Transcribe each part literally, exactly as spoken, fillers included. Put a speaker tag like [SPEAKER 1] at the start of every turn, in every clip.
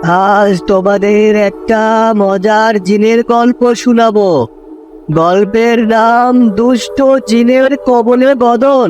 [SPEAKER 1] আজ তোমাদের একটা মজার জিনের গল্প শোনাবো। গল্পের নাম দুষ্ট জিনের কবলে বদন।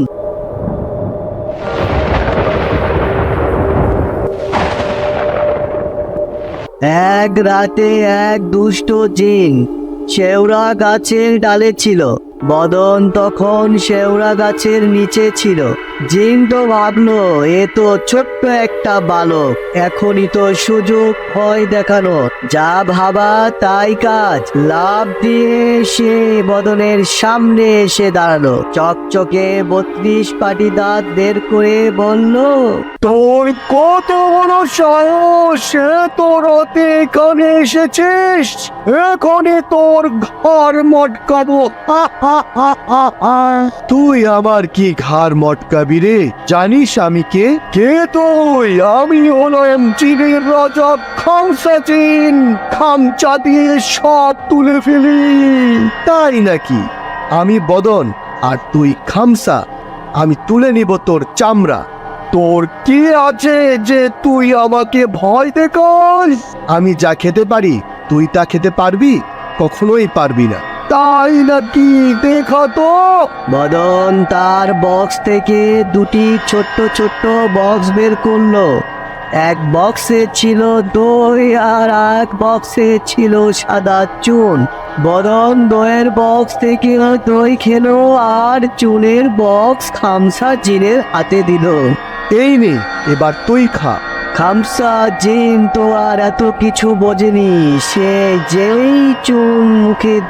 [SPEAKER 1] এক রাতে এক দুষ্ট জিন শেওড়া গাছের ডালে ছিল। বদন তখন শেওড়া গাছের নিচে ছিল। জিন তো ভাবলো, এ তো ছোট্ট একটা বালক, এখনই তো সুযোগ ভয় দেখানো। যা ভাবা তাই কাজ। লাফ দিয়ে সে বদনের সামনে এসে দাঁড়ালো। চকচকে বত্রিশ পাটি দাঁত বের করে বলল,
[SPEAKER 2] তোর কত বড় সাহস! সে তোর হাতে এখানে এসেছিস, এখানে তোর ঘর মটকাবো। হা, হা, হা, হা, হা। তুই আমার কি ঘাড় মটকাবি রে? জানিস আমি কে? কে তুই? আমি হলাম চীনের রাজা খামসা চীন। খামচা দিয়ে সব তুলে ফেলি। তাই নাকি? আমি বদন আর তুই খামসা। আমি তুলে নিব তোর চামড়া। তোর কি আছে যে তুই আমাকে ভয় দেখাস? আমি যা খেতে পারি তুই তা খেতে পারবি? কখনোই পারবি না। তাই নাকি? দেখা তো।
[SPEAKER 1] বদন তার বক্স থেকে দুটি ছোট্ট ছোট্ট বক্স বের করলো। এক বক্সে ছিল দই আর এক বক্সে ছিল সাদা চুন। বদন দইয়ের বক্স থেকে দই খেলো আর চুনের বক্স খামসা জিনের হাতে দিল।
[SPEAKER 2] এই নে, এবার তুই খা।
[SPEAKER 1] খামসা জিন তো আর এত কিছু বোঝেনি। সে যেই চুন মুখে